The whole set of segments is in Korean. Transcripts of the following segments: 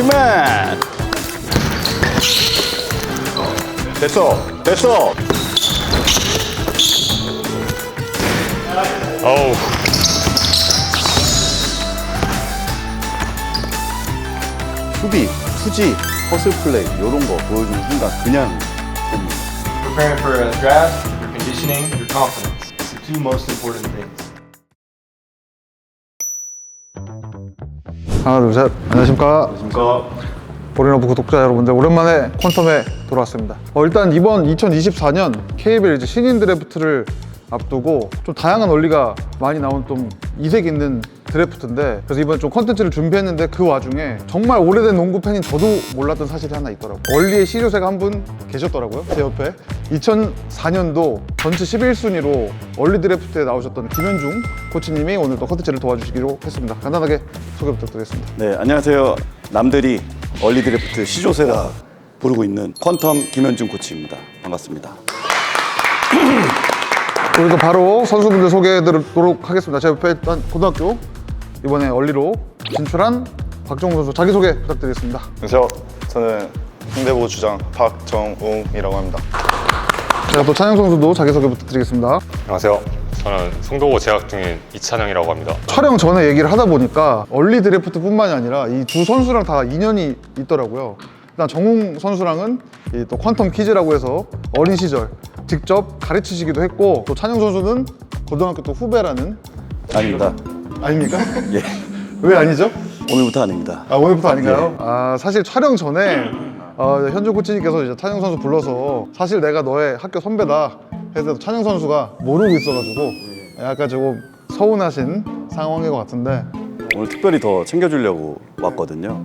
히트맨. 됐어. 어우. 수비, 투지, 허슬 플레이 이런 거 보여주는 순간 그냥 됩니다. Preparing for a draft, your conditioning, your confidence. It's the two most important things. 하나 둘 셋. 안녕하십니까. 그러니까 보리너브 구독자 여러분들, 오랜만에 퀀텀에 돌아왔습니다. 일단 이번 2024년 KBL 이제 신인 드래프트를 앞두고 좀 다양한 원리가 많이 나온 좀 이색 있는 드래프트인데, 그래서 이번 좀 컨텐츠를 준비했는데 그 와중에 정말 오래된 농구 팬인 저도 몰랐던 사실이 하나 있더라고요. 원리의 시조새가 한 분 계셨더라고요, 제 옆에. 2004년도 전체 11순위로 원리 드래프트에 나오셨던 김현중 코치님이 오늘 또 컨텐츠를 도와주시기로 했습니다. 간단하게 소개 부탁드리겠습니다. 네, 안녕하세요. 남들이 얼리 드래프트 시조세라 부르고 있는 퀀텀 김현중 코치입니다. 반갑습니다. 그리고 바로 선수분들 소개해드리도록 하겠습니다. 제 옆에 일단 고등학교 이번에 얼리로 진출한 박정우 선수 자기소개 부탁드리겠습니다. 안녕하세요. 저는 홍대부 주장 박정웅이라고 합니다. 제가 또 찬영 선수도 자기소개 부탁드리겠습니다. 안녕하세요. 저는 송도고 재학 중인 이찬영이라고 합니다. 촬영 전에 얘기를 하다 보니까 얼리 드래프트뿐만이 아니라 이 두 선수랑 다 인연이 있더라고요. 일단 정웅 선수랑은 이 또 퀀텀 키즈라고 해서 어린 시절 직접 가르치시기도 했고, 또 찬영 선수는 고등학교 또 후배라는. 아닙니다. 아닙니까? 예, 왜 아니죠? 오늘부터 아닙니다. 아, 오늘부터 아닌가요? 사실 촬영 전에 현주 코치님께서 이제 찬영 선수 불러서 사실 내가 너의 학교 선배다 해서 찬영 선수가 모르고 있어가지고 약간 조금 서운하신 상황인 것 같은데, 오늘 특별히 더 챙겨주려고 왔거든요.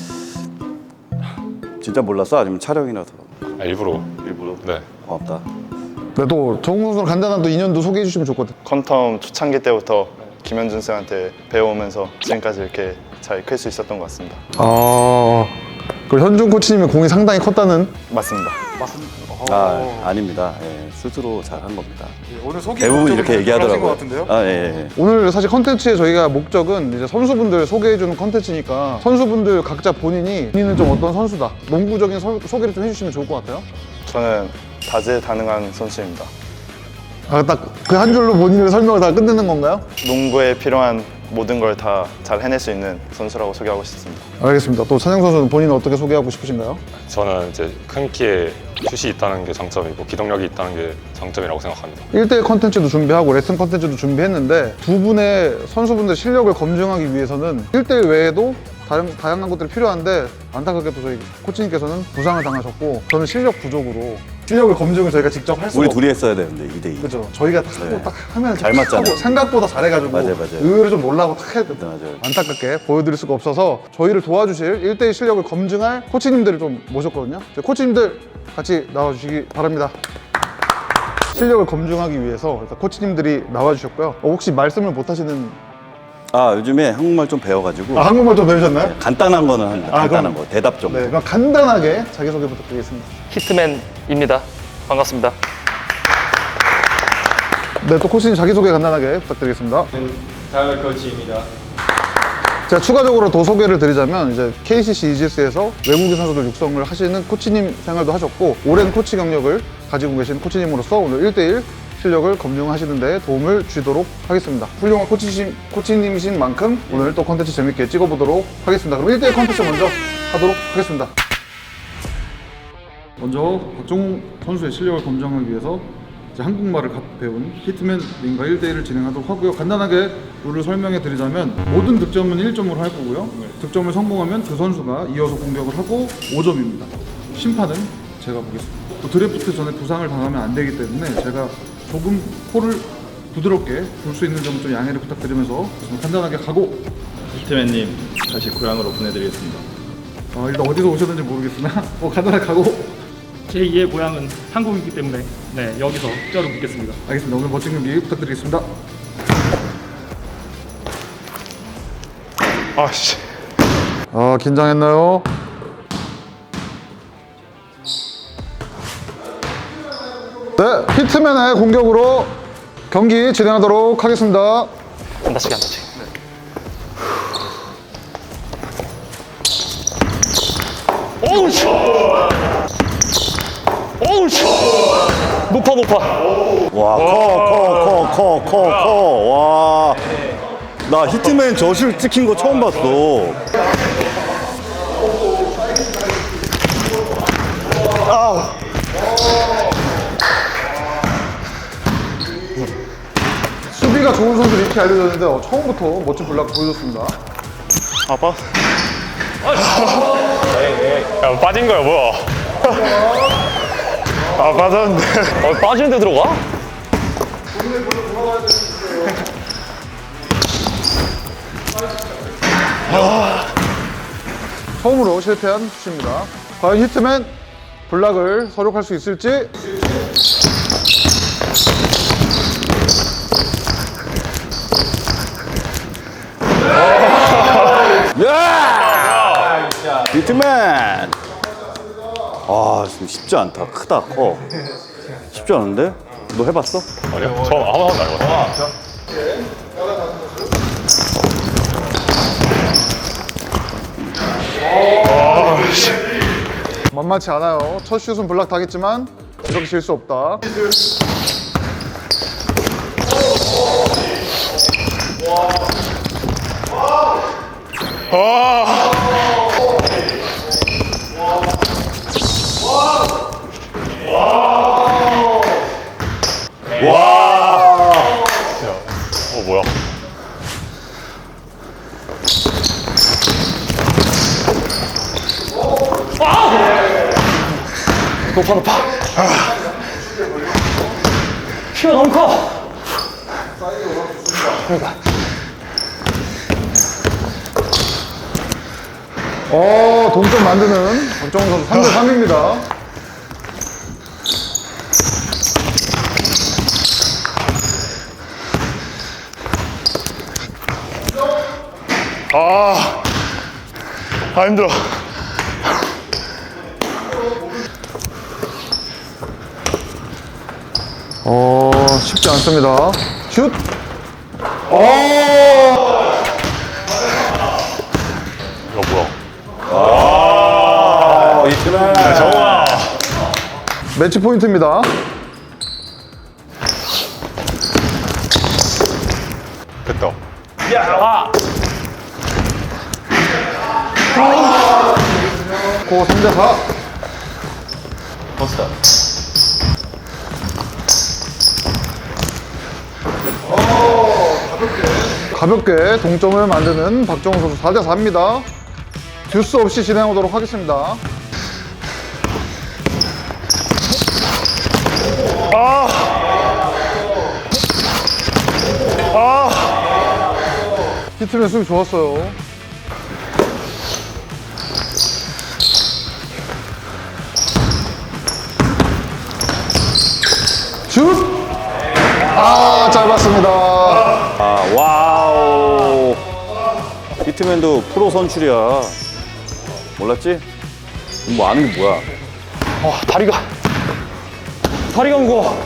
진짜 몰랐어? 아니면 촬영이라서? 일부러. 네. 고맙다. 근데 또 정웅 선수는 간단한 또 인연도 소개해 주시면 좋거든. 퀀텀 초창기 때부터 김현준 쌤한테 배워오면서 지금까지 이렇게 잘 클 수 있었던 것 같습니다. 그리고 현중 코치님의 공이 상당히 컸다는. 맞습니다. 아닙니다. 예, 스스로 잘 한 겁니다. 오늘 소개 대부분 이렇게 얘기하더라고요. 예. 오늘 사실 컨텐츠의 저희가 목적은 이제 선수분들 소개해주는 컨텐츠니까 선수분들 각자 본인은 좀 어떤 선수다, 농구적인 소개를 좀 해주시면 좋을 것 같아요. 저는 다재다능한 선수입니다. 딱 그 한 줄로 본인의 설명을 다 끝내는 건가요? 농구에 필요한 모든 걸 다 잘 해낼 수 있는 선수라고 소개하고 싶습니다. 알겠습니다. 또 찬영 선수는 본인은 어떻게 소개하고 싶으신가요? 저는 이제 큰 키에 슛이 있다는 게 장점이고 기동력이 있다는 게 장점이라고 생각합니다. 1대1 컨텐츠도 준비하고 레슨 컨텐츠도 준비했는데, 두 분의 선수분들 실력을 검증하기 위해서는 1대1 외에도 다양한 것들이 필요한데, 안타깝게도 저희 코치님께서는 부상을 당하셨고 저는 실력 부족으로 실력을 검증을 저희가 직접 할 수가 우리 없어요. 둘이 했어야 되는데 2대2. 그죠. 저희가 딱 하고 네. 딱 하면 잘 딱 맞잖아요. 하고 생각보다 잘해가지고 맞아요. 의외로 좀 놀라고 딱 해야 돼. 맞아요. 안타깝게 보여드릴 수가 없어서 저희를 도와주실 1대1 실력을 검증할 코치님들을 좀 모셨거든요. 코치님들 같이 나와주시기 바랍니다. 실력을 검증하기 위해서 일단 코치님들이 나와주셨고요. 혹시 말씀을 못하시는. 요즘에 한국말 좀 배워가지고 한국말 좀 배우셨나요? 간단한 거는 합니다. 간단한 그럼- 거, 대답 좀. 네, 그럼 간단하게 자기소개 부탁드리겠습니다. 히트맨입니다. 반갑습니다. 네, 또 코치님 자기소개 간단하게 부탁드리겠습니다. 타일러 코치입니다. 제가 추가적으로 더 소개를 드리자면, 이제 KCC 이지스에서 외국인 선수들 육성을 하시는 코치님 생활도 하셨고, 오랜 코치 경력을 가지고 계신 코치님으로서 오늘 1대1 실력을 검증하시는 데 도움을 주도록 하겠습니다. 훌륭한 코치님이신 만큼 오늘 또 컨텐츠 재밌게 찍어보도록 하겠습니다. 그럼 1대1 컨텐츠 먼저 하도록 하겠습니다. 먼저 박정우 선수의 실력을 검증하기 위해서 이제 한국말을 배운 히트맨님과 1대1을 진행하도록 하고요. 간단하게 룰을 설명해 드리자면, 모든 득점은 1점으로 할 거고요. 득점을 성공하면 그 선수가 이어서 공격을 하고 5점입니다. 심판은 제가 보겠습니다. 또 드래프트 전에 부상을 당하면 안 되기 때문에 제가 조금 코를 부드럽게 불 수 있는 점 좀 양해를 부탁드리면서 간단하게 가고. 히트맨님 다시 고향으로 보내드리겠습니다. 일단 어디서 오셨는지 모르겠으나 간단하게 가고. 제2의 고향은 한국이기 때문에 여기서 뼈를 묻겠습니다. 알겠습니다. 오늘 멋진 경기 부탁드리겠습니다. 아씨. 긴장했나요? 네, 히트맨의 공격으로 경기 진행하도록 하겠습니다. 안 다치게 안 다치게. 어우 씨. 어우 씨. 높아 높아. 와, 커. 와. 나 히트맨 저실 찍힌 거 처음 봤어. 수비가 좋은 선수 이렇게 알려졌는데 처음부터 멋진 블락 보여줬습니다. 아빠? 야, 빠진 거야 뭐야? 아 맞았는데. 빠지는데 들어가? 처음으로 실패한 슛입니다. 과연 히트맨 블락을 서력할 수 있을지. 야! 히트맨! 아, 지금 쉽지 않다. 크다, 커. 쉽지 않은데? 너 해봤어? 아니야 처음 아무 번도 안 해봤어. 만만치 않아요. 첫 슛은 블락 당했지만 이렇게 질 수 없다. 뭐야? 높아. 키가 너무 커. 동점 만드는 박정우 선수 3대3입니다. 아 힘들어. 쉽지 않습니다. 슛! 이거 뭐야? 히트맨! 매치 포인트입니다. 됐다. 고 3대4. 가볍게 동점을 만드는 박정우 선수 4대4입니다. 듀스 없이 진행하도록 하겠습니다. 히트맨 수비 좋았어요. 슛! 짧았습니다. 아, 와우. 히트맨도 프로 선출이야. 몰랐지? 뭐 아는 게 뭐야? 다리가 무거워.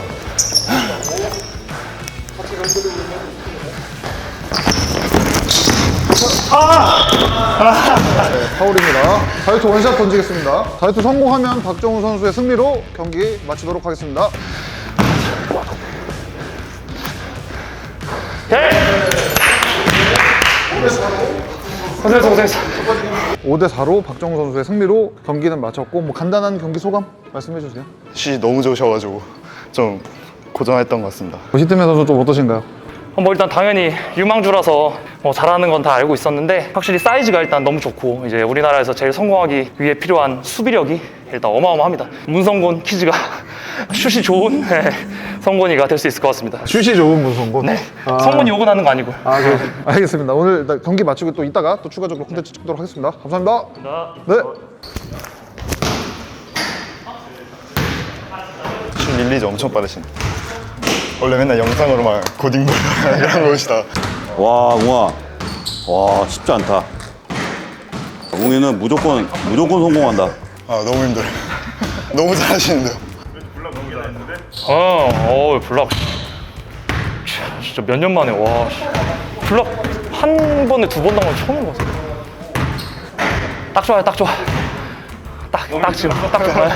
파울입니다. 자유투 원샷 던지겠습니다. 자유투 성공하면 박정우 선수의 승리로 경기 마치도록 하겠습니다. 고생했어. 5대4로 박정우 선수의 승리로 경기는 마쳤고 뭐 간단한 경기 소감 말씀해 주세요. 슛이 너무 좋으셔가지고 좀 고전했던 것 같습니다. 히트맨 선수 좀 어떠신가요? 뭐 일단 당연히 유망주라서 뭐 잘하는 건 다 알고 있었는데 확실히 사이즈가 일단 너무 좋고 이제 우리나라에서 제일 성공하기 위해 필요한 수비력이 일단 어마어마합니다. 문성곤 키즈가 슛이 좋은 성곤이가 될 수 있을 것 같습니다. 슛이 좋은 문성곤. 네, 성곤이 욕은 하는 거 아니고. 알겠습니다. 오늘 일단 경기 마치고 또 이따가 또 추가적으로 콘텐츠 찍도록 하겠습니다. 감사합니다. 네. 슛 릴리즈 엄청 빠르신. 원래 맨날 영상으로만 고딩볼 이런 거 보시다가 와, 웅아. 와, 쉽지 않다. 웅이는 무조건 성공한다. 아 너무 힘들어요. 너무 잘하시는데요. 블락. 진짜 몇 년 만에, 와. 블락 한 번에 두 번 당한 거 처음인 것 같아. 딱 좋아요, 딱 좋아. 딱 지금 딱 정말.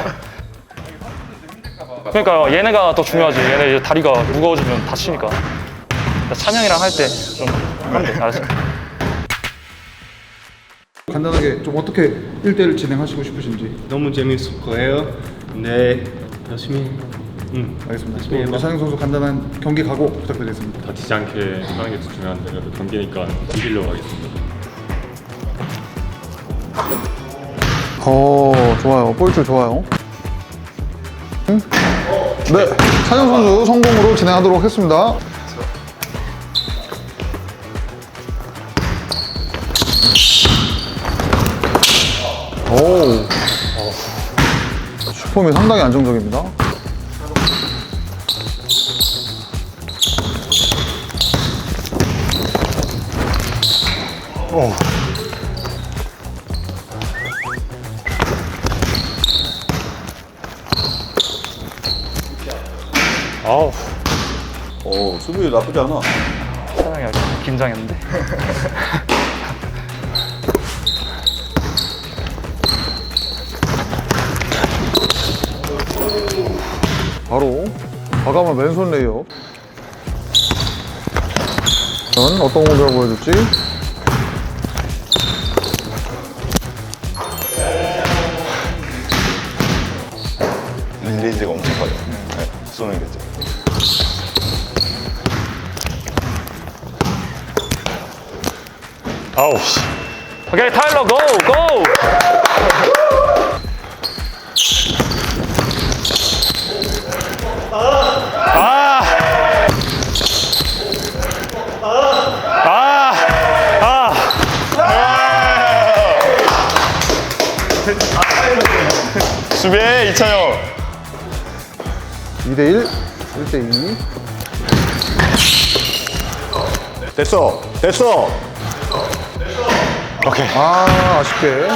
그러니까 얘네가 더 중요하지. 얘네 이제 다리가 무거워지면 다치니까. 찬영이랑 할 때 좀 하면 돼. 알았어. 간단하게 좀 어떻게 1대1 진행하시고 싶으신지. 너무 재밌을 거예요. 네, 열심히. 알겠습니다. 또 찬영 선수 간단한 경기 각오 부탁드리겠습니다. 다치지 않게 하는 게 중요한데 그래도 경기니까 이기려고 하겠습니다. 좋아요. 볼줄 좋아요. 네, 찬영 선수 성공으로 진행하도록 하겠습니다. 오, 슈퍼미 상당히 안정적입니다. 아우. 수비 나쁘지 않아. 찬영이 아주 긴장했는데. 바로 과감한 왼손 레이업. 전 어떤 공격을 보여줄지. 릴리즈가 엄청 빠져. 네, 쏘는 게 이제. 아우 씨. 오케이, 타일러 고! 고! 수비해 이찬영. 2대1, 1대2. 됐어. 됐어. 오케이. 아쉽게.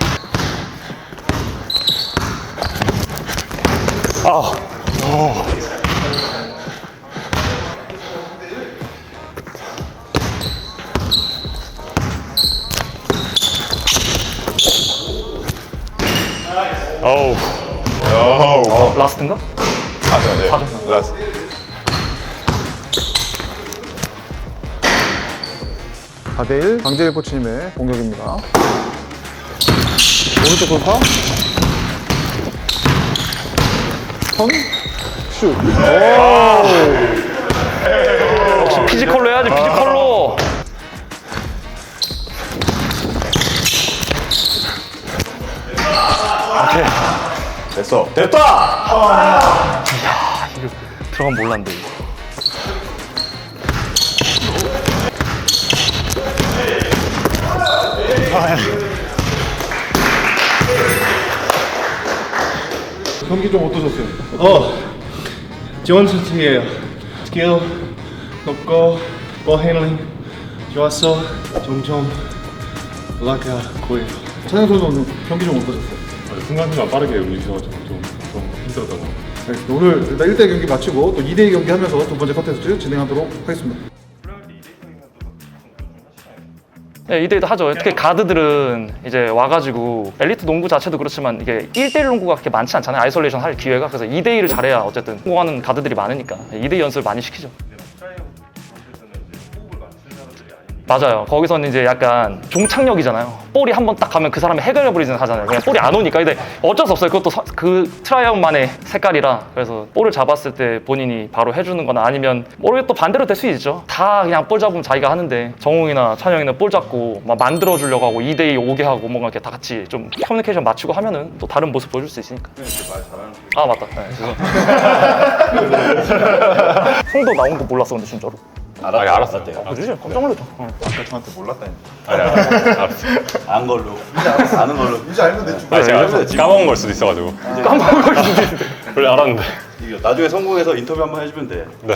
어우. 라스트인가? 네. 라스. 사 대 1, 강재일 코치님의 공격입니다. 오른쪽 돌파. 턴, 슛. 역시 피지컬로 해야지, 피지컬로! 됐어. 됐다. 들어가면 몰랐는데, 이거. 경기 좀 어떠셨어요? 좋은 선수예요. 스킬 높고 볼 핸들링 좋았어. 점점 올라가고요. 찬영 선수 오늘 경기 좀 어떠셨어요? 순간순간 빠르게 움직여가지고 좀 힘들었던 것 같아요. 알겠습니다. 오늘 일단 1대1 경기 마치고 또 2대2 경기 하면서 두 번째 컨텐츠 진행하도록 하겠습니다. 네, 2대2도 하죠. 특히 가드들은 이제 와가지고 엘리트 농구 자체도 그렇지만 이게 1대1 농구가 그렇게 많지 않잖아요. 아이솔레이션 할 기회가. 그래서 2대2를 잘해야 어쨌든 성공하는 가드들이 많으니까 2대2 연습을 많이 시키죠. 맞아요. 거기서는 이제 약간 종착역이잖아요. 볼이 한 번 딱 가면 그 사람이 해결해버리진 하잖아요. 그냥 볼이 안 오니까. 근데 어쩔 수 없어요. 그것도 그 트라이아웃만의 색깔이라. 그래서 볼을 잡았을 때 본인이 바로 해주는 거나 아니면 모르게 또 반대로 될 수 있죠. 다 그냥 볼 잡으면 자기가 하는데 정웅이나 찬영이는 볼 잡고 막 만들어주려고 하고 2대2 오게 하고 뭔가 이렇게 다 같이 좀 커뮤니케이션 맞추고 하면은 또 다른 모습 보여줄 수 있으니까. 아, 맞다. 네, 죄송합니다. 형도 나온 거 몰랐어, 근데 진짜로. 알았어요. 그지? 깜짝 놀랐죠. 아까 저한테 몰랐다니. 알았어. 안 걸로. 아는 걸로. 이제 알면 되지. 제가 까먹은 걸 수도 있어가지고. 까먹은 걸 수도 있는데. 원래 알았는데. 이거 나중에 성공해서 인터뷰 한번 해주면 돼. 네.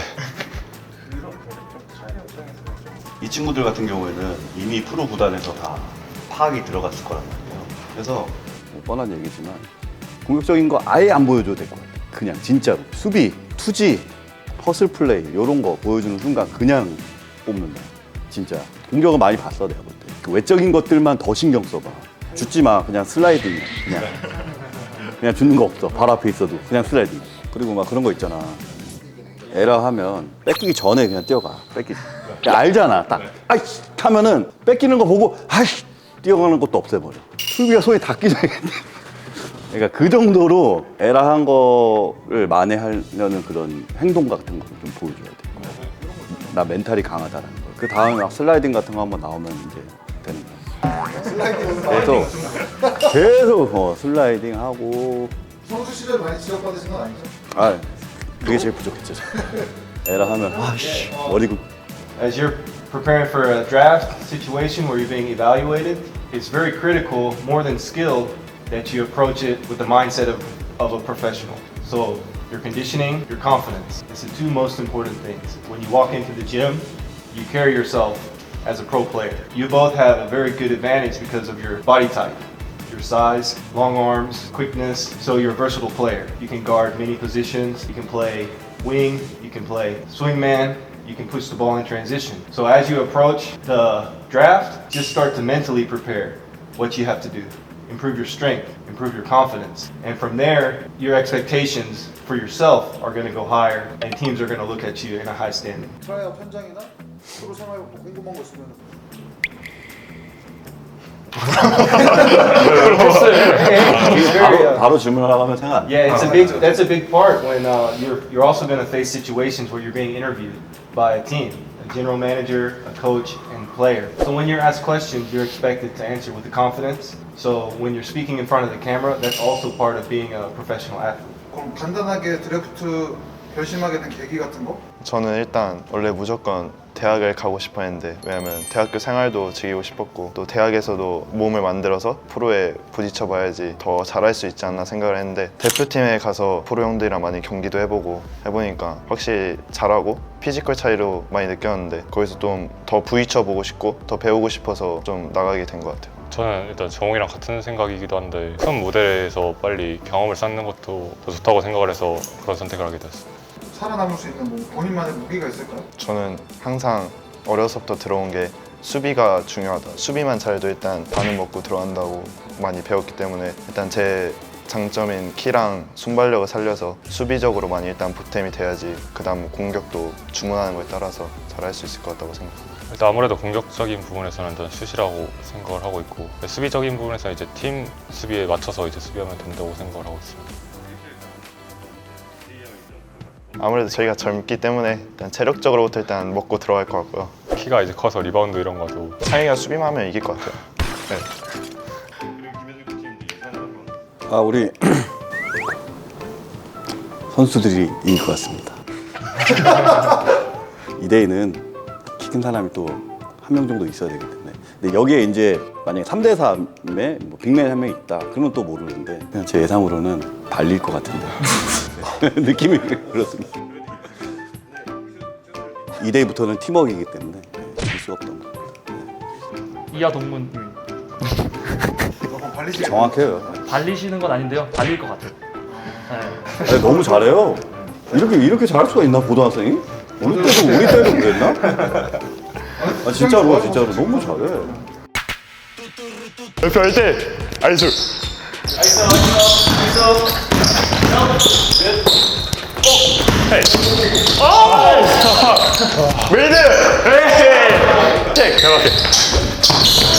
이 친구들 같은 경우에는 이미 프로 구단에서 다 파악이 들어갔을 거란 말이에요. 그래서 뭐 뻔한 얘기지만 공격적인 거 아예 안 보여줘도 될 것 같아요. 그냥 진짜로 수비, 투지, 퍼슬 플레이 이런 거 보여주는 순간 그냥 뽑는다. 진짜 공격은 많이 봤어 내가 볼 때. 그 외적인 것들만 더 신경 써봐. 죽지 마. 그냥 슬라이딩 그냥. 그냥 주는 거 없어. 바로 앞에 있어도 그냥 슬라이딩. 그리고 막 그런 거 있잖아. 에라 하면 뺏기기 전에 그냥 뛰어가. 뺏기지. 그냥 알잖아. 딱 아이씨 하면은 뺏기는 거 보고 아이씨 뛰어가는 것도 없애버려. 수비가 손에 닿기 전에. 그러니까 그 정도로 에라 한 거를 만회하려는 그런 행동 같은 거를 좀 보여줘야 돼. 나 멘탈이 강하다라는 거. 그 다음에 막 슬라이딩 같은 거 한번 나오면 이제 되는 거야. 계속 슬라이딩 하고. 선수 시절 많이 지적받으신 건 아니죠? 아, 그게 제일 부족했죠. 에라 하면 아씨 머리고. As you're preparing for a draft situation where you're being evaluated, it's very critical, more than skill, that you approach it with the mindset of a professional. So your conditioning, your confidence. It's the two most important things. When you walk into the gym, you carry yourself as a pro player. You both have a very good advantage because of your body type, your size, long arms, quickness. So you're a versatile player. You can guard many positions. You can play wing, you can play swingman, you can push the ball in transition. So as you approach the draft, just start to mentally prepare what you have to do. Improve your strength, improve your confidence. And from there, your expectations for yourself are going to go higher and teams are going to look at you in a high standing. 트라이아웃 현장이나 프로 생활부터 궁금한 거 있으면 바로 질문하라고 하면 생각 안 나. Yeah, that's a big part when you're also going to face situations where you're being interviewed by a team, a general manager, a coach, and player. So when you're asked questions, you're expected to answer with the confidence. So when you're speaking in front of the camera, that's also part of being a professional athlete. 그럼 간단하게 드래프트 결심하게 된 계기 같은 거? 저는 일단 원래 무조건 대학을 가고 싶어 했는데, 왜냐면 대학교 생활도 즐기고 싶었고 또 대학에서도 몸을 만들어서 프로에 부딪혀 봐야지 더 잘할 수 있지 않나 생각을 했는데, 대표팀에 가서 프로 형들이랑 많이 경기도 해보니까 확실히 잘하고 피지컬 차이로 많이 느꼈는데, 거기서 좀 더 부딪혀 보고 싶고 더 배우고 싶어서 좀 나가게 된 것 같아요. 저는 일단 정욱이랑 같은 생각이기도 한데 큰 무대에서 빨리 경험을 쌓는 것도 더 좋다고 생각을 해서 그런 선택을 하게 되었어요. 살아남을 수 있는 뭐 본인만의 무기가 있을까요? 저는 항상 어려서부터 들어온 게 수비가 중요하다. 수비만 잘해도 일단 반은 먹고 들어간다고 많이 배웠기 때문에, 일단 제 장점인 키랑 순발력을 살려서 수비적으로 많이 일단 보탬이 돼야지 그 다음 공격도 주문하는 거에 따라서 잘할 수 있을 것 같다고 생각합니다. 일단 아무래도 공격적인 부분에서는 일단 슛이라고 생각을 하고 있고, 수비적인 부분에서는 이제 팀 수비에 맞춰서 이제 수비하면 된다고 생각을 하고 있습니다. 아무래도 저희가 젊기 때문에 일단 체력적으로부터 일단 먹고 들어갈 것 같고요. 키가 이제 커서 리바운드 이런 것도 창희가 수비만 하면 이길 것 같아요. 네. 아, 우리 선수들이 이길 것 같습니다. 2대2는 키 큰 사람이 또 한 명 정도 있어야 되기 때문에. 근데 여기에 이제 만약에 3대3에 뭐 빅맨 한 명 있다, 그러면 또 모르는데, 그냥 제 예상으로는 발릴 것 같은데. 느낌이 그렇습니다. 2대2부터는 팀워크이기 때문에 이길 수가 없던 것 같아요. 이하 동문 그럼 발리시게 정확해요. 발리시는 건 아닌데요. 발릴 것 같아요. 네. 아니, 너무 잘해요. 이렇게 잘할 수가 있나, 고등학생이? 우리 때도 그랬나? 아, 진짜로 너무 잘해. 대표 할 때 아이솔. 메이드! 에이! 책! 대박해.